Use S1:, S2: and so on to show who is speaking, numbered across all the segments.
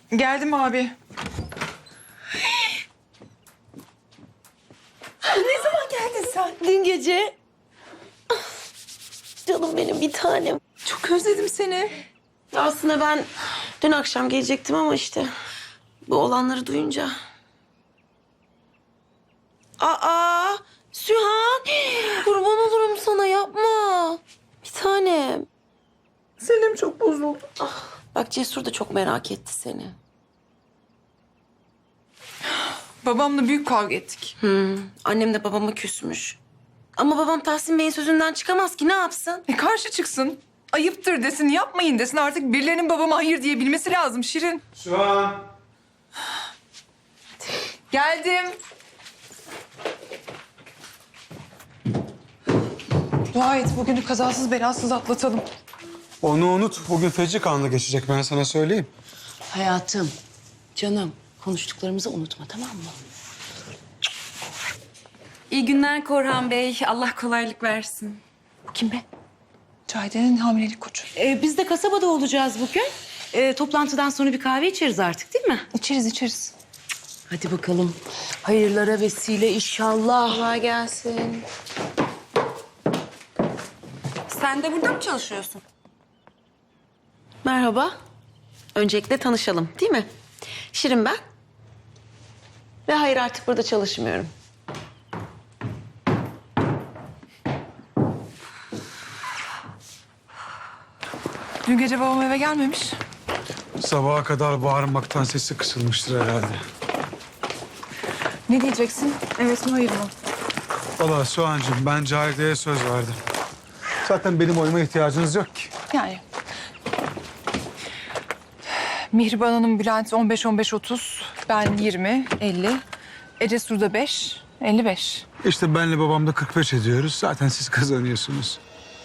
S1: Geldim abi.
S2: Ne zaman geldin sen? Dün gece. Ah, canım benim bir tanem.
S1: Çok özledim seni.
S2: Aslında ben dün akşam gelecektim ama işte bu olanları duyunca. Aa, Sühan. Kurban olurum sana, yapma. Bir tanem.
S1: Selim çok bozuldu.
S2: Bak Cesur da çok merak etti seni.
S1: Babamla büyük kavga ettik.
S2: Annem de babama küsmüş. Ama babam Tahsin Bey'in sözünden çıkamaz ki, ne yapsın?
S1: Karşı çıksın. Ayıptır desin, yapmayın desin. Artık birilerinin babama hayır diyebilmesi lazım Şirin.
S3: Sühan.
S1: Geldim. Dua et bugünü kazasız belasız atlatalım.
S3: Onu unut. Bugün feci kanlı geçecek, ben sana söyleyeyim.
S2: Hayatım, canım, konuştuklarımızı unutma, tamam mı?
S4: İyi günler Korhan Bey. Allah kolaylık versin.
S2: Kim be?
S1: Cahide'nin hamilelik koçu.
S4: Biz de kasabada olacağız bugün. Toplantıdan sonra bir kahve içeriz artık, değil mi?
S1: İçeriz.
S2: Hadi bakalım. Hayırlara vesile inşallah.
S4: Kolay gelsin. Sen de burada mı çalışıyorsun?
S2: Merhaba. Öncelikle tanışalım, değil mi? Şirin ben. Ve hayır, artık burada çalışmıyorum.
S1: Dün gece babam eve gelmemiş.
S3: Sabaha kadar bağırmaktan sesi kısılmıştır herhalde.
S1: Ne diyeceksin? Evet mi hayır mı?
S3: Vallahi Sühan'cığım, ben Cahide'ye söz verdim. Zaten benim oyuma ihtiyacınız yok ki.
S1: Yani. Mihriban Hanım, Bülent 15-15-30. Ben 20, 50. Ece Sur'da 5, 55.
S3: İşte benle babam da 45 ediyoruz. Zaten siz kazanıyorsunuz.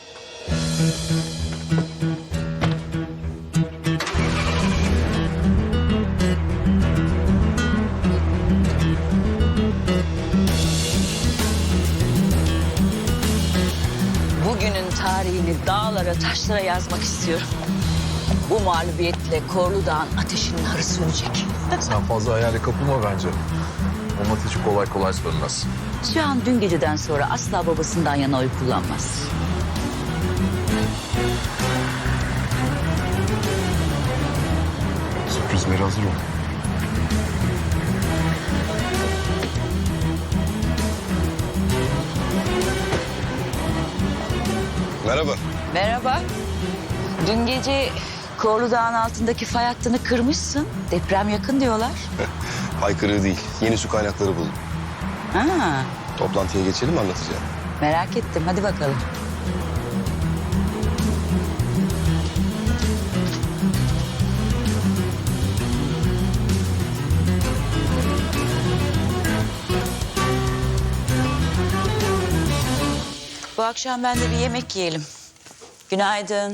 S5: Bugünün tarihini dağlara, taşlara yazmak istiyorum. Bu mağlubiyetle Korlu Dağ'ın ateşinin harı sönecek.
S6: Sen fazla hayale kapılma bence. Onun ateşi kolay kolay sönmez.
S5: Şu an dün geceden sonra asla babasından yana oy kullanmaz.
S6: Sürprizlere hazır ol.
S7: Merhaba.
S5: Merhaba. Dün gece Korlu Dağ'ın altındaki fay hattını kırmışsın. Deprem yakın diyorlar.
S7: Haykırığı değil, yeni su kaynakları buldum.
S5: Ha,
S7: Toplantıya geçelim, anlatacağım.
S5: merak ettim. Hadi bakalım. Bu akşam ben de bir yemek yiyelim. Günaydın.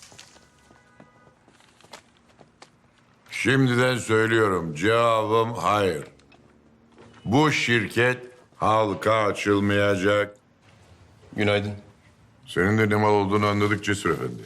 S8: Şimdiden söylüyorum, cevabım hayır. Bu şirket halka açılmayacak.
S7: Günaydın.
S8: Senin de ne mal olduğunu anladık Cesur Efendi.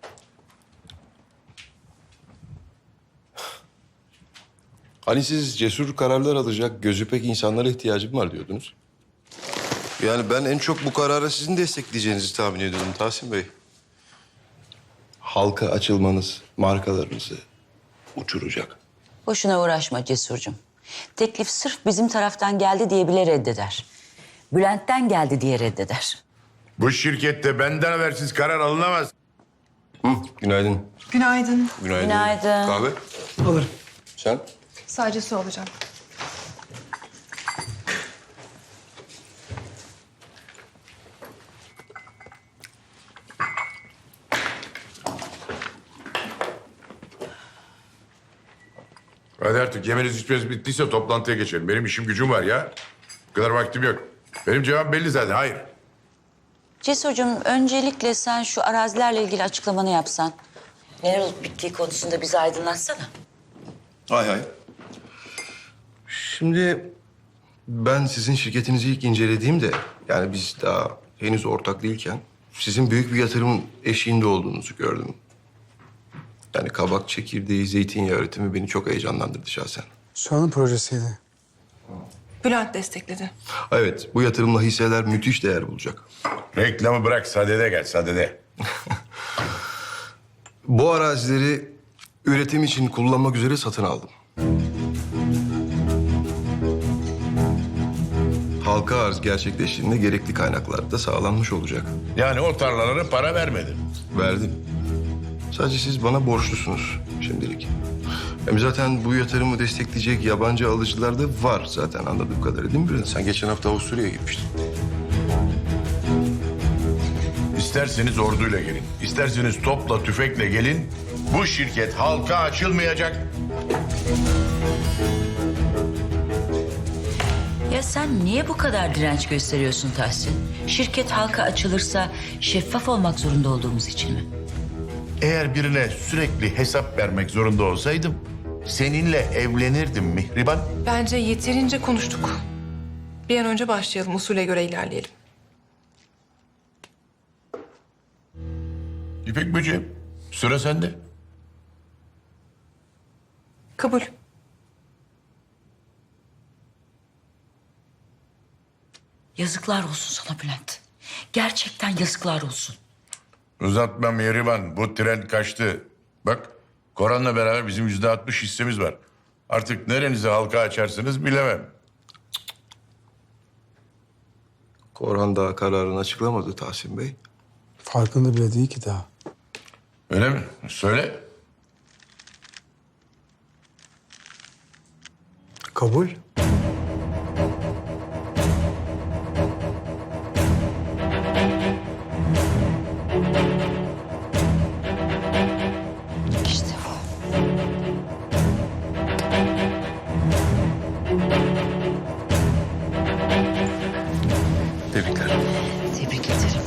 S7: Hani siz cesur kararlar alacak, gözü pek insanlara ihtiyacım var diyordunuz. Yani ben en çok bu karara sizin destekleyeceğinizi tahmin ediyordum Tahsin Bey. Halka açılmanız markalarınızı uçuracak.
S5: Boşuna uğraşma Cesurcuğum. Teklif sırf bizim taraftan geldi diye bile reddeder. Bülent'ten geldi diye reddeder.
S8: Bu şirkette benden habersiz karar alınamaz.
S7: Günaydın.
S1: Günaydın.
S7: Günaydın.
S5: Günaydın.
S7: Kahve?
S3: Alırım.
S7: Sen?
S1: Sadece su alacağım.
S8: Hadi artık yemeniz içmeniz bittiyse toplantıya geçelim. Benim işim gücüm var ya. Bu kadar vaktim yok. Benim cevabım belli zaten, hayır.
S5: Cesurcuğum öncelikle sen şu arazilerle ilgili açıklamanı yapsan. Neler olup bittiği konusunda bizi aydınlatsana.
S7: Hay hay. Şimdi ben sizin şirketinizi ilk incelediğimde, yani biz daha henüz ortak değilken, sizin büyük bir yatırımın eşiğinde olduğunuzu gördüm. Yani kabak çekirdeği, zeytinyağı üretimi beni çok heyecanlandırdı şahsen.
S3: Soğan'ın projesiydi.
S1: Bülent destekledi.
S7: Evet, bu yatırımla hisseler müthiş değer bulacak.
S8: Reklamı bırak, sadede gel, sadede.
S7: Bu arazileri üretim için kullanmak üzere satın aldım. Halka arz gerçekleştiğinde gerekli kaynaklar da sağlanmış olacak.
S8: Yani o tarlalara para vermedin.
S7: Verdim. Sadece siz bana borçlusunuz şimdilik. Hem zaten bu yatırımı destekleyecek yabancı alıcılar da var zaten anladığım kadarıyla, değil mi Bülent? Sen geçen hafta Avusturya'ya gitmiştin.
S8: İsterseniz orduyla gelin, isterseniz topla tüfekle gelin. Bu şirket halka açılmayacak.
S5: Ya sen niye bu kadar direnç gösteriyorsun Tahsin? Şirket halka açılırsa şeffaf olmak zorunda olduğumuz için mi?
S8: Eğer birine sürekli hesap vermek zorunda olsaydım seninle evlenirdim Mihriban.
S1: Bence yeterince konuştuk. Bir an önce başlayalım, usule göre ilerleyelim.
S8: İpek böceğim, sıra sende.
S1: Kabul.
S5: Yazıklar olsun sana Bülent. Gerçekten yazıklar olsun.
S8: Uzatma Mihriban, bu tren kaçtı. Bak, Koran'la beraber bizim %60 hissemiz var. Artık nerenizi halka açarsınız bilemem.
S7: Korhan daha kararını açıklamadı Tahsin Bey.
S3: Farkında bile değil ki daha.
S8: Öyle mi? Söyle.
S3: Kabul.
S5: İşte bu.
S7: Tebrikler.
S5: Tebrik ederim.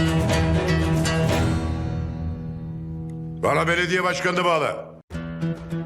S8: Bana belediye başkanını bağla.